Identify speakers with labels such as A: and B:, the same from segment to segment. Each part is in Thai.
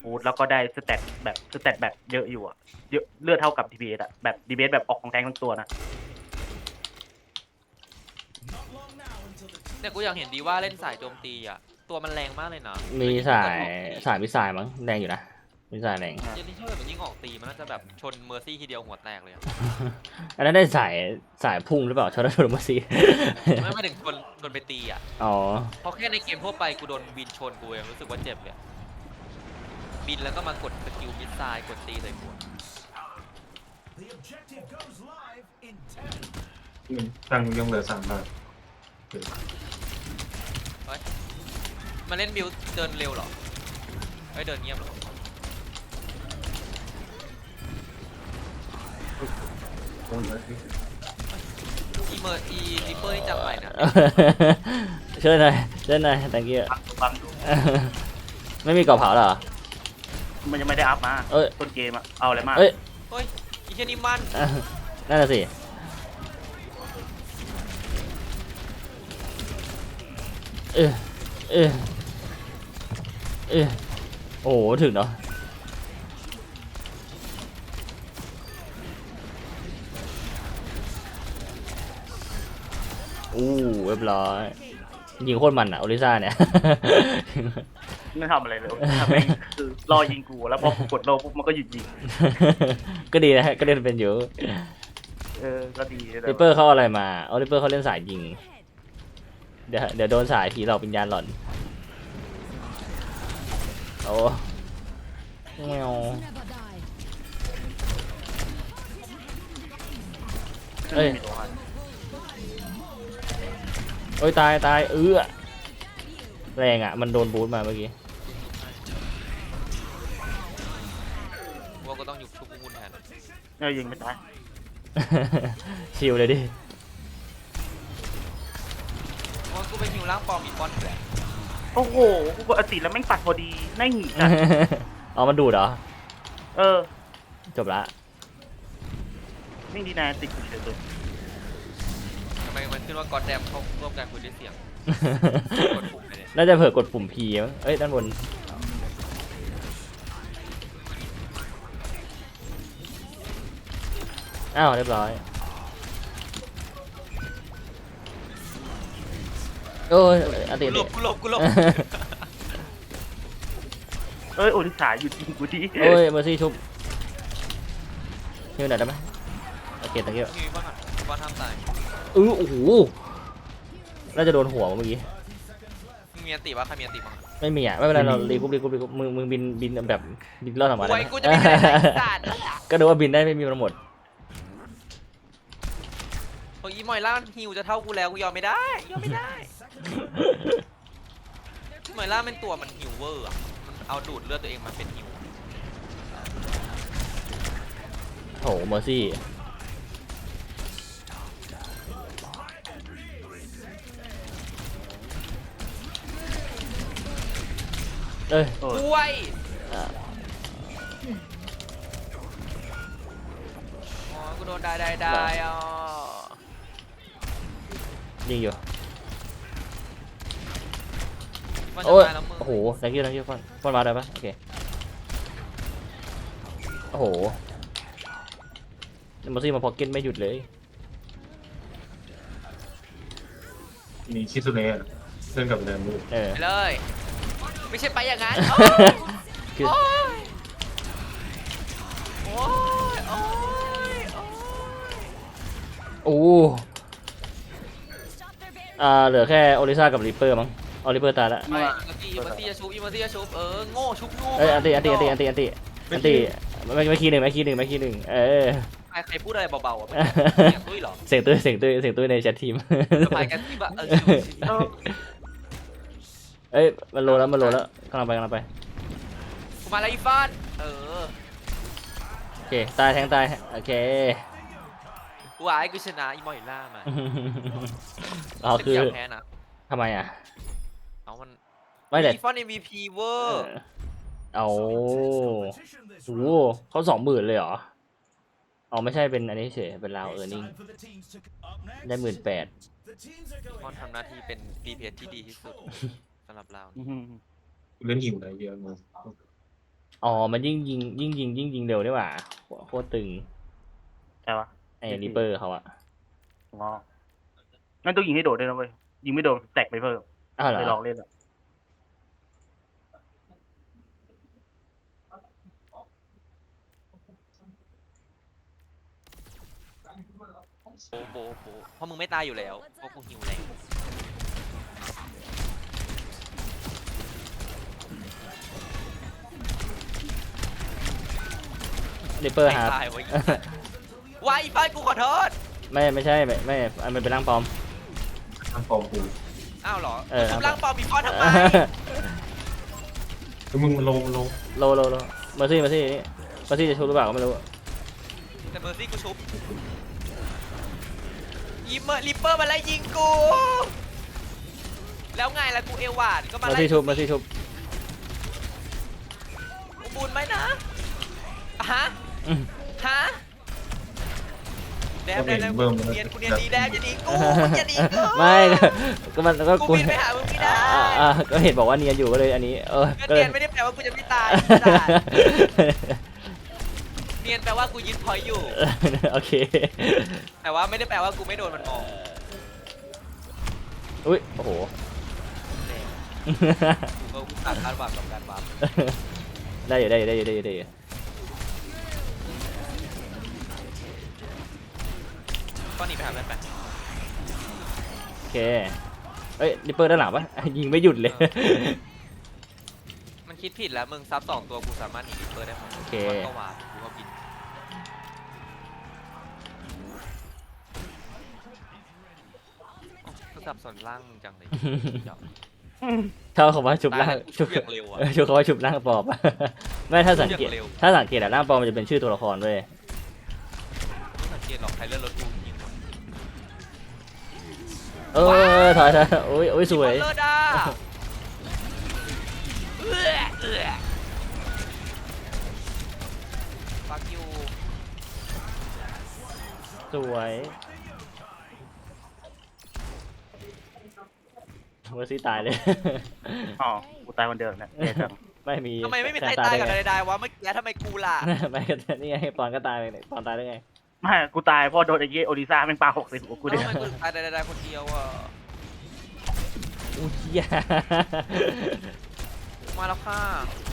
A: ฟูดแล้วก็ได้สแตทแบบเยอะอยู่อะเยอะเลือดเท่ากับ DPS อะแบบ DPS แบบออกของแทงทั้งตัวนะ
B: เนี่ยกูอยากเห็นดีว่าเล่นสายโจมตีอ่ะตัวมันแรงมากเลยนะ
C: มี
B: แล้วยิ่ง
C: สาย
B: เกิดออกตี
C: สายมิสไซล์มั้งแรงอยู่นะมิสไซล์แรง
B: เจนนี่ถ้าเกิดมันยิ่งออกตีมันน่าจะแบบชนเมอร์ซี่ทีเดียวหัวแตกเลยอะ
C: อันนั้นได้สายพุ่งหรือเปล่าชอตโดนมาซี
B: ไม่ถึงชนไปตีอ่ะ
C: อ๋อ
B: เพราะแค่ในเกมทั่วไปกูโดนบินชนกูยังรู้สึกว่าเจ็บเลยบินแล้วก็มากดสกิลมิสไซล์กดตีใส่กู
D: ตังค์ยังเหลือ3 บาท
B: มาเล่นบิลเดินเร็วเหรอเฮ้ยเดินเงียบเหรออีเมอร์อีริปเปอร์นี่จำใหม่นะ
C: ช่วยหน่อยthank you
A: ฟังดู
C: ไม่มีกรอบเผาเหรอ
A: มันยังไม่ได้อัพมา
C: เอ้ย
A: ต้นเกมอะเอาอะไรมา
C: เอ้ย
B: เฮ้ยอีเชนี่มัน
C: นั่นน่ะสิเออเออเออโอ้โหถึงเนาะอู้เรียบร้อยยิงโคตรมันอ่ะโอลิซ่าเนี่ย
A: ไม่ทำอะไรเลยทำเองคือรอยิงกูแล้วพอกูกดโลปุ๊บมันก็หยุดยิง
C: ก็ดีนะฮะก็เล่นเป็นอยู่
A: ก็ดีแต่
C: ริปเปอร์เขาเอาอะไรมาเอาริปเปอร์เขาเล่นสายยิงเดี๋ยวโดนสายผีหลอกวิญญาณหล่อนโอ้แมวเอ้ย
A: ไม่มีตัวให้
C: โอ้ยตายแรงอ่ะมันโดนบูทมาเมื่อกี้
B: ว่าก็ต้องอยู่ชุบกูแทน
A: ยิงไม่ตาย
C: ชิลเลยดิ
B: ว่ากูไปหิวร่างปลอมอีปอนอยู่แหละ
A: โอ้โหกูกดอติแล้วแม่งปัดพอดีน่าหงิกอะ
C: เอามันดูดเหรอ จบละ
A: ไม่ดีนะติดกูเฉยเลย
B: ทำไมมันขึ้นว่าก็อดแดมเขาร่วมกันคุยด้วยเสียงกดปุ่มไปเลย
C: น่าจะเผื่อกดปุ่ม P มั้งเอ้ยด้านบนอ้าวเรียบร้อยโอ้ยอันติ
B: กูหลบ
A: โอลิสาหยุดยิงกูที
C: โอ้ยเมอร์ซี่ชุบฮิวหน่อยได้ไหมโอเคตะเกียบ
B: มีบ้างอ่ะบอลทำตาย
C: โอ้โหน่าจะโดนหัวเมื่อกี้
B: มึงมีอันติว่าใครมีอันติบ้าง
C: ไม่มีอ่ะไม่เป็นไรเรารีกุ๊บมึงบินแบบบินรอดออกมาได้
B: ไว้
C: ไหม
B: กูจะไม่ได้สัตว์
C: ก็ดูว่าบินได้ไม่มีมันหมด
B: โอ้ยอีมอยล่ามันฮิวจะเท่ากูแล้วกูยอมไม่ได้มอยล่าเป็นตัวมันฮิวเวอร์อ่ะมันเอาดูดเลือดตัวเองมาเป็นฮิว
C: โหเมอร์ซี่เอ้ย
B: ด้วย
C: อ่ะ
B: อ๋อกูโดนได้อ่ะ
C: ยิงอยู่
B: มันจะ
C: โอ้ย
B: ตายแล้วมึง
C: โอ้โหthank you ฟอนมาได้ปะโอเคโอ้โหเมอร์ซี่มาพ็อกเก็ตไม่หยุดเลย
D: นี่คิดสุดเลยอะเล่นกับแรมดู
C: เออ
B: ไปเลยไม่ใช่ไปอย่างนั้น
C: คือ
B: โอ้ย
C: โอ้เหลือแค่โอลิซ่ากับริปเปอร์มั้งออริปเปอร์ตายแล้ว
B: ไม่อีเมอร์ซี่จะชุบโง่ชุบโง่
C: เอ้ยอันตีไม่คีย์หนึ่ง
B: ใครพูดอะไรเบาๆอ่ะตุ้ยเหรอ
C: เสียงตุ้ยในแชททีม
B: สบายกันที่แบบ
C: เอ้ยมันโลแล้วกำลังไป
B: กูมาแล้วอีฟาน
C: โอเคตายแทงตายโอเค
B: กูอายกูชนะอีมอยล่ามา
C: อ๋อคือ
B: แพ้นะ
C: ทำไมอ่ะ
B: เอามัน
C: ไม่แต่
B: อีฟอน MVP เวอร์
C: เอาโอ้เขา20,000เลยเหรออ๋อไม่ใช่เป็นอันนี้เฉยเป็นราวนิ่งได้18,000
B: ฟอนทำหน้าที่เป็น DPS ที่ดีที่สุดสำหรับเรา
A: อื้อหือ
D: เล่นหิวอะไรเยอะมาก
C: อ๋อมันยิ่งยิงเร็วได้หว่าโคตรตึง
A: ใช่ปะ
C: ไอ้ริปเปอร์เขาอะ
A: อ๋องั้นต้องยิงให้โดดด้วยนะเว้ยยิงไม่โดนแตกไปเพิ่ม
C: อ้าวเหร
A: เคยลอง
C: อ
A: เล่นอ่ะ
B: โบเพราะมึงไม่ตายอยู่แล้วเพราะกูหิวแรง
C: ริปเปอร์
B: ไม่
C: ฮาร์
B: ตายไว้ไว้ไฟกูขอโทษ
C: ไม่ใช่ไม่มันเป็นร่างปลอม
D: ทางฟอร์มกู
B: อ้าวเหรอ
C: เออ
B: ชุบร่างปลอมมีฟอนทำไม
D: แล้วมึงมันโล
C: โลเมอร์ซี่นี่เมอร์ซี่จะชูหรือเปล่าก็ไม่รู้
B: แต่เมอร์ซี่กูชุบยิมเมอร์ลิปเปอร์มาไล่ยิงกู แล้วไงล่ะกูเอวหวานก็มา
C: เมอร์
B: ไล่
C: ซี่ชุบ
B: กูบุญไหมนะฮะ
C: อืม
B: ฮะแดบกูเนียนดีแดบอย่าหนีกูอย่าหนีกู
C: ไม่ก็มันก็
B: กูบินไปหามึงไม่ได้
C: ก็เห็นบอกว่าเนียนอยู่ก็เลยอันนี้
B: ก็
C: ก็เล
B: เนี
C: ย
B: ยนไม่ได้แปลว่ากูจะไม่ตายเนียนแปลว่ากูยึดพอยต์อยู่
C: โอเค
B: แต่ว่าไม่ได้แปลว่ากูไม่โดนมันมอง
C: อุ้ยโอ้โห
B: กูก็ตัดคาดหวังกับการวาร์ป
C: ได้อยู่
B: ก็หนีไปหาแม่ไป
C: โอเคเอ้ยริปเปอร์ด้านหลังปะยิงไม่หยุดเลย
B: มันคิดผิดแล้วมึงซับ2ตัวกูสามารถหนีลิปเปอร์ได้หมด
C: โอเค
B: มันก็วาร์ปกูก็บินกูสับสนล่างมึงจังเลย
C: ชอบคำว่าชุบร่าง
B: ชุบอย่างเร็วอะ
C: ชุบคำว่าชุบร่างปลอม ไม่ถ้าสังเกต
B: ชุบอย่างเร็ว
C: ถ้าสังเกตอะร่างปลอมมันจะเป็นชื่อตัวละครด้วย
B: ไม่สังเกตหรอกใครเลื่อนรถกูยิงหมด
C: ถอยโอ้ยสวย
B: เลิศอ่ะฟักยู
C: สวยเมอร์ซี่ตายเลย
A: อ๋อกูตายคนเดียวเนี่ยแย่จัง
C: ไม่มี
B: ทำไมไม่มีใคร
C: แทน
B: ตายกับ
C: ได้
B: ใดๆวะเมื่อกี้ทำไมกูล่ะ
C: ไงไม่ก็นี่ไงปอนก็ตายไปปอนตายได้ไง
A: ไม่กูตายเพราะโดนไอ้เหี้ยโอริซ่าแม่งปา60กู
B: แล้ว
A: เนี่ย
B: ทำไมกูถึงตายใดๆคนเดียวอ่ะ
C: อุ้ยเหี้ย
B: มาแล้วค่ะ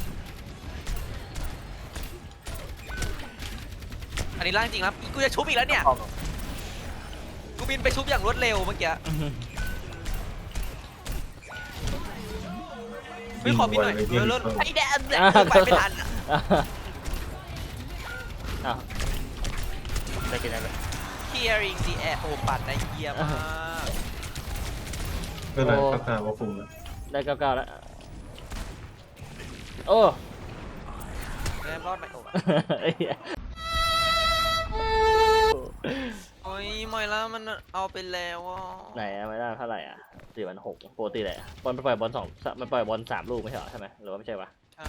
B: อันนี้ร่างจริงครับกูจะชุบอีกแล้วเนี่ยกูบินไปชุบอย่างรวดเร็วเมื่อกี้ไม่ขอบินหน่อยเลิศไอ้แดนเนี่ยไปไม่ทันอ่ะ
C: อ้าว
A: ได้กินอะไร
B: Clearing the air โอ้ปัดได้เยี่ยมมาก
D: ก็เลยก็กลายว่าคุมแล้ว
C: ได้99แล้วโอ้
B: แรมรอดไหมโอ้
C: ไอ้เหี้ย
B: โอ้ยมอยล่ามันเอาไปแล้วอ่ะ
C: ไหนอะไม่ได้เท่าไหร่อ่ะ4,600ปกติแหละบอลไปปล่อยบอลมันปล่อยบอล3 ลูกไม่ใช่เหรอใช่ไหมหรือว่าไม่ใช่วะ
B: ใช่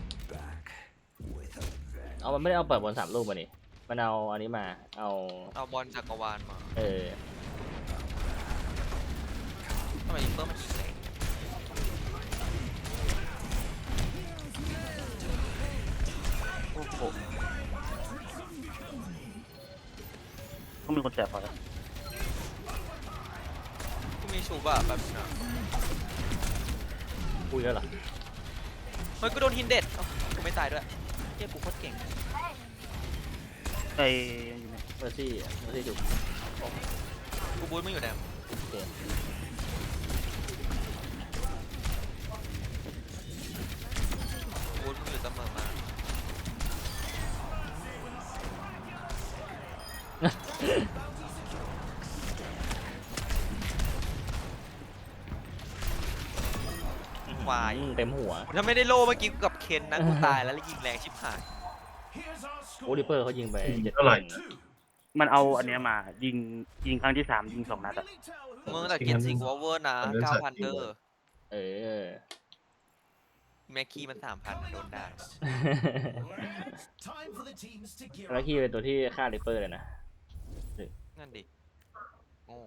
C: เอามันไม่ได้เอาปล่อยบอล3 ลูกมานี่มันเอาอันนี้มาเอา
B: เอาบอลจักรวาลมา
C: เออ
B: ทำไมลิปเปอร์มันยิงแรง
A: โอ้โหต้องมีคนแจกพอแล้ว
B: กูมีชูบ่ะแบบนี้นะ
C: พูดแล้วเหรอ
B: เฮ้ยกูโดนฮินเด็ดเอ้ากูไม่ตายด้วยเฮียกูโคตรเก่ง
A: ไอ้อยู่ไหน
C: เมอร์ซี่จุก
B: กูบูทมึงอยู่แดม
C: โอเค
B: กูบูทมึงอยู่เสมอมาควาย
C: เต็มหัว
B: ถ้าไม่ได้โล่เมื่อกี้กูกับเคนนะกูตายแล้วยิงแรงชิบหาย
C: โอ้ริปเปอร์เขายิงไป7
D: เท่าไหร่
A: มันเอาอันเนี้ยมายิงครั้งที่3ยิง2 นัดอะ
B: มึงแต่เกียนสิงวอเวอร์นะ 9,000 เดอร์
C: เออ
B: แม็กกี้มัน 3,000 โดนได้
C: แล้วคีเป็นตัวที่ฆ่าริปเปอร์เลยนะ
B: นั่นดิโง่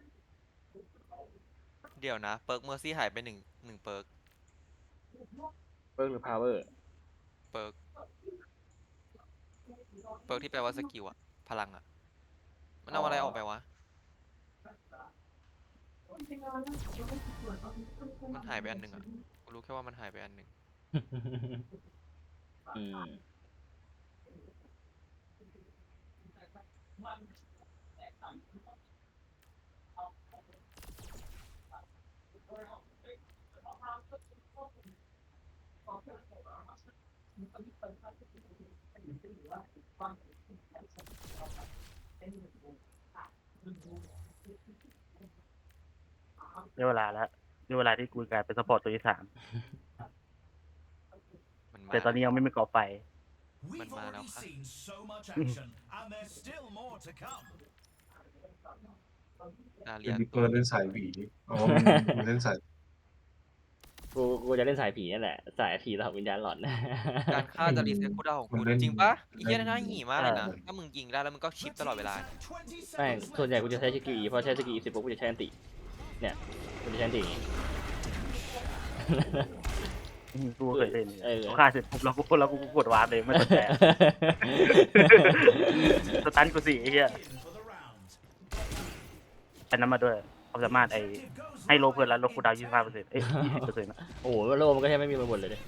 B: เดี๋ยวนะ เปิร์กเมอร์ซี่หายไปหนึ่งเปิร์ก
C: เบิร์กหรือพาวเวอร์
B: เปิร์กที่แปลว่าสกิลอะพลังอะมันเอาอะไรออกไปวะมันหายไปอันหนึ่งอะกูรู้แค่ว่ามันหายไปอันหนึ่ง
C: อืม
A: ได้เวลาแล้วได้เวลาที่กูกลายเป็นซัพพอร์ตตัวที่ 3
B: มันมา
A: แต่ตอนนี้ยังไม่มีก่อไฟ
B: มันมาแล้วค่ะ นาเรี
D: เป็
B: ย
D: น
B: น
D: ดิปเปอร์เล่นสายผีอ๋อมันเล่นสาย
C: กูจะเล่นสายผีนั่นแหละ สายผีต่อวิญญาณหลอน
B: การฆ่าจะรีเซ็ตคูลดาวน์ของ
D: มัน
B: กู
D: เล่น
B: จริงปะไอ้เหี้ยน่าหี่มากเลยนะ
D: อ่า
B: ถ้ามึงยิงได้แล้วมึงก็ชิปตลอดเวลา
C: ไม่ส่วนใหญ่กูจะใช้สกิล E เพราะใช้สกิล E เสร็จปุ๊บกูจะใช้อันติ เนี่ยกูจะใช้อันติอย่างงี้
A: กูเคยเล่น
C: เออ
A: กูฆ่าเสร็จปุ๊บแล้วกูกดวาร์ปเลยไม่สนใจอะสตันกูสิไอ้เหี้ยอันนั้นมาด้วยความสามารถให้โลเพื่อนแล้วลดคูลดาวน์ 25%20%นะ
C: โอ้โหโลมันก็แทบไม่มีมาบนเลยดิ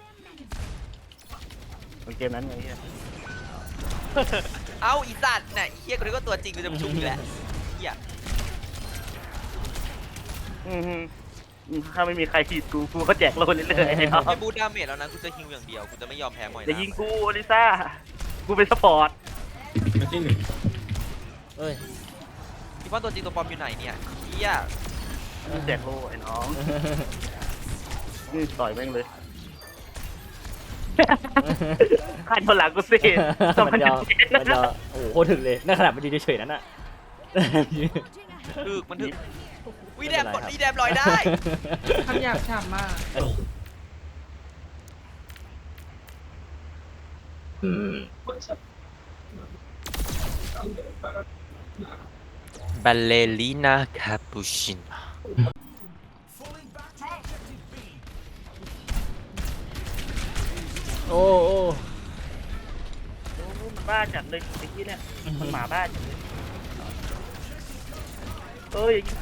A: มันเกมนั้นไงเหี้ย
B: เอ้าอีสัตว์น่ะไอ้เหี้ยกูนึกว่าตัวจริงกูจะมาชุบอยู่แหละเหี้ย
A: ถ้าไม่มีใครขีดกูก็แจกโลเรื่อยๆไอ้น้อง
B: ไม่บูทดาเมจแล้วนะกูจะฮิวอย่างเดียวกูจะไม่ยอมแพ้มอย
A: อย่า
B: นะ
A: ยิงกูอลิซ่ากูเป็นสปอร์ต
D: ไม่ใช่หนึ่ง
C: เอ้ย
B: คิดว่าตัวจริงตัวปลอมอยู่ไหนเนี่ยเหี้ย
A: แจกโลไอ้น้องนี่ต่อยแม่งเลยขันคนหลังกูสิ
C: มันจะโอ้โหโคตรถึงเลยนั่นขนาดมันยืนเฉยๆนั่นน่ะ
B: ถึกมันถึกวิแดม
C: ไม่
B: ก
C: เป็นไรครับ
B: ดวีแดมลอยได้
E: คำหยาบฉ่ำมาก
C: อืม
B: บัลเลลีนาคาปูชิน
C: โอ้โอ้
A: มันบ้าจัดเลยไอ้ที่เนี่ยมันหมาบ้าจัดเลยเอ้ยยิงกู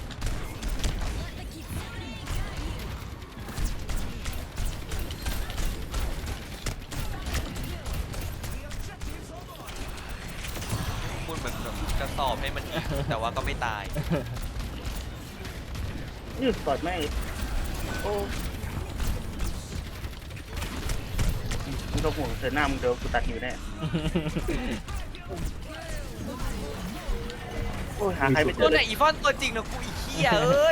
B: พูดเหมือนแบบจะสอบให้มันอีกแต่ว่าก็ไม่ตาย
A: นี่ต่อยแม่งโอ้มึงต้องห่วงเธอหน้ามึงเดี๋ยวกูตัดหิวแน่โอ้ยหาใครไม่เจ
B: ตั
A: อ
B: วไหนอีฟอนตัวจริงนะกูอีเหี้ยเอ้ย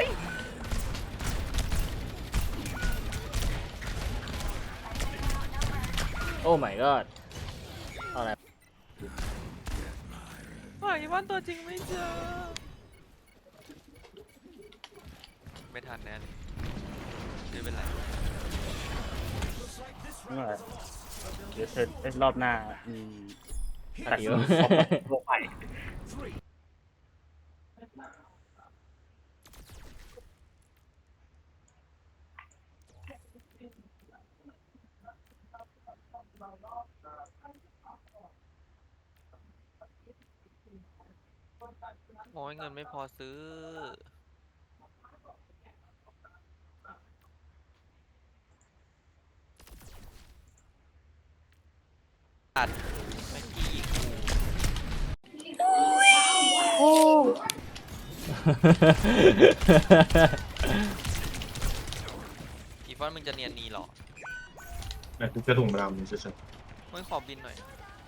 C: โอ้ my god เอาอะไร
B: หาอีฟอนตัวจริงไม่เจอไม่ทันแน่เลยไม่เป็นไร
A: เดี๋ยวเธอรอบหน้าตัดหิวโลกไป
B: โอ้ยเงินไม่พอซื้อตัดแม็กกี้ยิงอีฟอนมึงจะเนียนนีเหรอ
D: แต่กูจะถุงดำเฉย
B: มึงขอบินหน่อย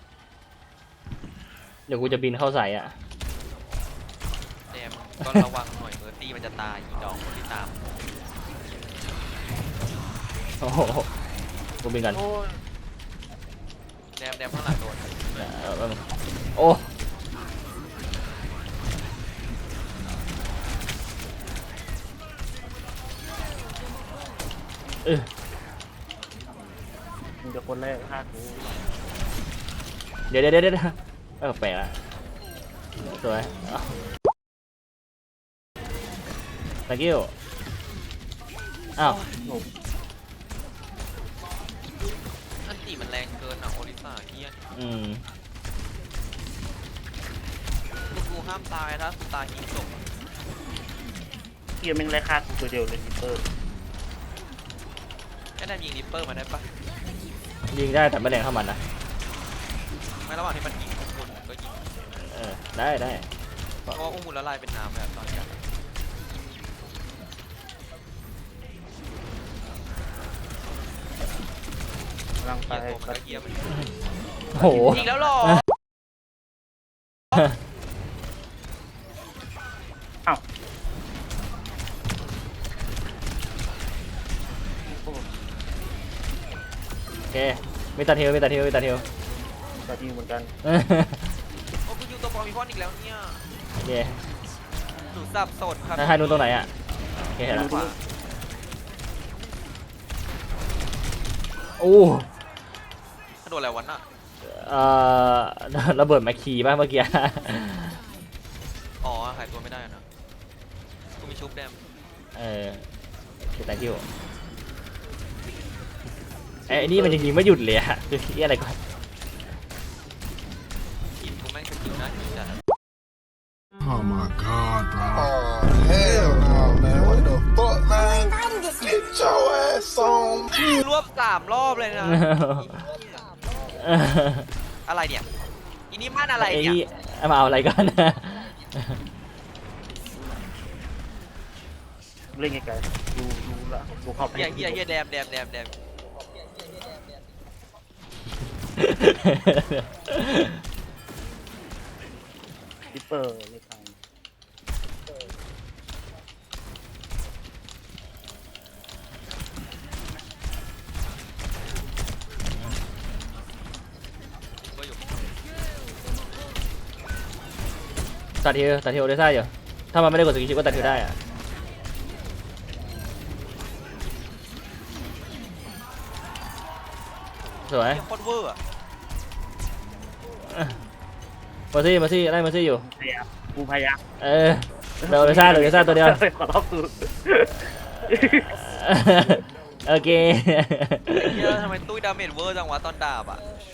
C: เดี๋ยวกูจะบินเข้าใส่อ่ะ
B: แดมก็ระวังหน่อยเมอร์ตี้มันจะตายอีดอกคนที่ตาม
C: โอ้โหกูบินกัน
A: โอ้ย
B: แดมข้างหลังโดน
C: โอ้
A: มึงจะคนแรกฆ่ากู
C: เดี๋ยวแปลกละสวย thank you อ้าว
B: แรงเกินอ่ะโอริสาเฮีย
C: อืม
B: กูห้ามตายถ้ากูตายยิงจบ
A: เฮียแม่งไล่ฆ่ากูตัวเดียวเลยลิปเปอร์
B: แค่ได้ยิงริปเปอร์มาได้ปะ
C: ยิงได้แต่ไม่แรงเท่ามันนะ
B: ไม่ระหว่างที่มันยิงอุ้มบุญก็ยิง
C: ได้ได้
B: เพราะว่าอุ้มบุญละลายเป็นน้ำแบบตอนนี้
A: กำลังไป
B: เกียร์ตัวมันก็เกียร์มัน
C: โอ้โห
B: ยิงแล้วหรอ
A: อ้าว
C: โอเคมีตัดเทลมีตัดเทลมีตัดเทล
A: ก็ดีเหมือนกัน
B: โอ้กูอยู่ตัวปอมีพอนอีกแล้วเนี่ย
C: โอเค
B: หนูสับสนครับ
C: ถ้าใครนู้นตรงไหนอ่ะโอเคเห็นแล้ว
B: ขวา
C: โอ้
B: ถ้าโดนอะไรวันน่ะ
C: เอ่อระเบิดแมคคีป่ะเมื่อกี้
B: อ๋อหายตัวไม่ได้นะกูมีชุบแดม
C: คือตาคิวไอ้นี่มันยังยิงไม่หยุดเลยอะคือที่อะไรก่อน
B: ทีมกูแม่งสกิลนะทีมจัด
F: Oh my god, bro.
G: Oh, hell no, man. What the fuck, man? Get your ass on.
B: รวบ3 รอบเลยนะ อะไรเนี่ยอีนี่มันอะไร
C: ไอ้
B: เนี่ย
C: นี่มาเอาอะไรก่อน
A: เล่นไกลๆดูละดูเข้าไป
B: เฮียแดม
A: ลิปเปอร์เล่นทาง
B: ก็อยู่
C: ตัดเทลได้ซ่าอยู่ถ้ามันไม่ได้กดสกิลชิปก็ตัดเทลได้อะสวย
B: เฮียโคตรเวอร์อะ
C: มาซี่ไล่มาซี่อยู่
A: พยายามกูพยายาม
C: เดี๋ยวซ่าตัวเดียว
A: ขอรอบกู
C: โอเค
B: เฮียทำไมตุ้ยดาเมจเวอร์จังวะตอนดาบอ่ะ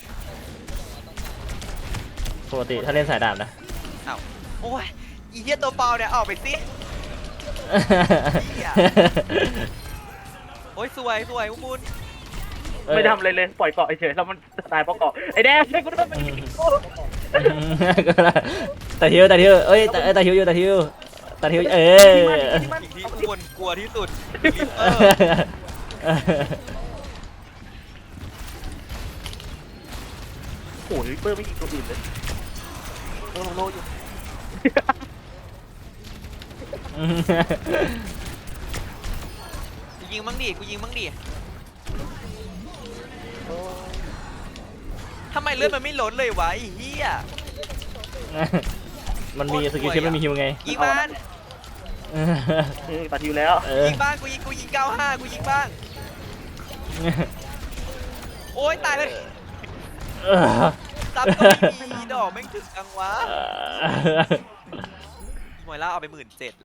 C: ปกติถ้าเล่นสายดาบนะ
B: อ้าวโอ้ยอีเฮียตัวเปล่าเนี่ยออกไปสิโอ้ยสวยอุ้มบุญ
A: ไม่ทำอะไรเลยปล่อยเกาะเฉยแล้วมันตายเพราะเกาะไอ้แดงช่วยกูด้วยมันยิงกู
C: ตัดเทลเอ้ยตัดเทลอยู่ตัดเทลเออ
B: สิ่งที่อุ้มบุญกลัวที่สุดลิปเปอร์
A: โอ้ยลิปเปอร์ไม่ยิงตัวอื่นเลยโลอยู่
B: กูยิงมั่งดิทำไมเลือดมันไม่ลดเลยวะไอ้เหี้ย
C: มันมีสกิลชิปไม่มีฮิวไง
B: ยิงบ้าน
A: ตัดอยู่แล้ว
B: ยิงบ้านกูยิง95กูยิงบ้านโอ้ยตายเลยซับก็ไม่มีดอกแม่งถึงจังวะหมวยล่าเอาไป17,000